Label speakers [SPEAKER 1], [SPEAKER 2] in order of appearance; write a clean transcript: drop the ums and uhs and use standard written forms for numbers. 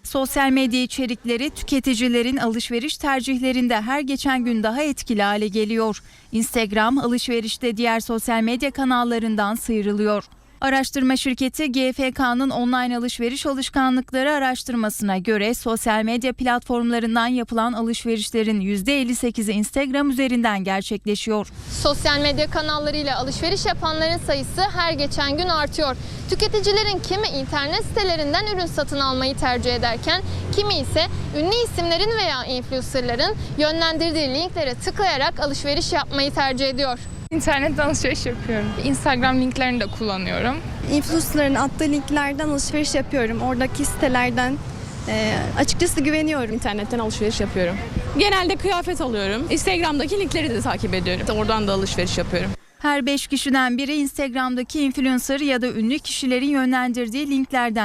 [SPEAKER 1] Sosyal medya içerikleri tüketicilerin alışveriş tercihlerinde her geçen gün daha etkili hale geliyor. Instagram alışverişte diğer sosyal medya kanallarından sıyrılıyor. Araştırma şirketi GfK'nın online alışveriş alışkanlıkları araştırmasına göre sosyal medya platformlarından yapılan alışverişlerin %58'i Instagram üzerinden gerçekleşiyor.
[SPEAKER 2] Sosyal medya kanallarıyla alışveriş yapanların sayısı her geçen gün artıyor. Tüketicilerin kimi internet sitelerinden ürün satın almayı tercih ederken kimi ise ünlü isimlerin veya influencerların yönlendirdiği linklere tıklayarak alışveriş yapmayı tercih ediyor.
[SPEAKER 3] İnternetten alışveriş yapıyorum. Instagram linklerini de kullanıyorum.
[SPEAKER 4] Influencer'ların attığı linklerden alışveriş yapıyorum. Oradaki sitelerden açıkçası güveniyorum.
[SPEAKER 5] İnternetten alışveriş yapıyorum. Genelde kıyafet alıyorum. Instagram'daki linkleri de takip ediyorum. Oradan da alışveriş yapıyorum.
[SPEAKER 1] Her 5 kişiden biri Instagram'daki influencer ya da ünlü kişilerin yönlendirdiği linklerden